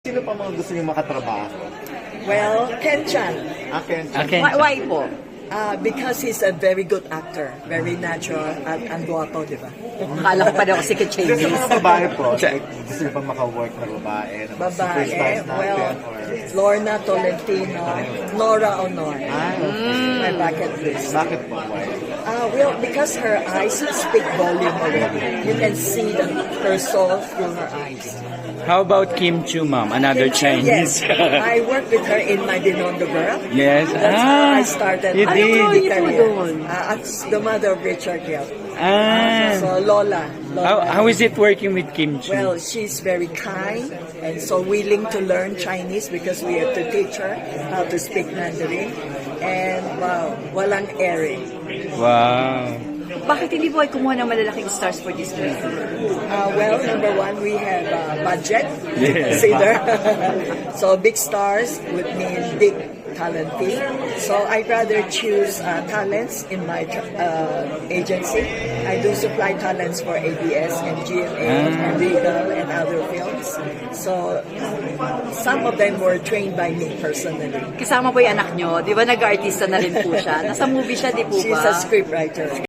Sino pa mga gusto niyo makatrabaho? Well, Ken Chan, Akin. Okay. Why po? because he's a very good actor, very natural, at ang guwapo, di ba? Akala ko pa daw si Kasi sa Chinese. mga babae po, like, gusto niyo pa maka-work na babae, na mga Babae, superstars well, natin, or... Lorna Tolentino, Nora Honor, Ah, okay. my bucket list. Bakit po? Why? Well, because her eyes speak volume already. You can see her soul through her eyes. How about Kim Chu, ma'am? Another Chinese. Yes, I worked with her in my Binondo Girl. Yes. That's how I started you my did. movie Ano career. doon? As the mother of Richard Gere. Ah. So Lola. How is it working with Kim Chu? Well, she's very kind and so willing to learn Chinese because we have to teach her how to speak Mandarin. And wow, walang airing. Wow. Bakit hindi po ay kumuha ng malalaking stars for this movie? Well, number one, we have budget to Yes. consider. So big stars would mean big talent fee. So I'd rather choose talents in my agency. I do supply talents for ABS and GMA and Regal and other films. So some of them were trained by me personally. Kasama po yung anak nyo, di ba nag-artista na rin po siya? Nasa movie siya, di po ba? She's a scriptwriter.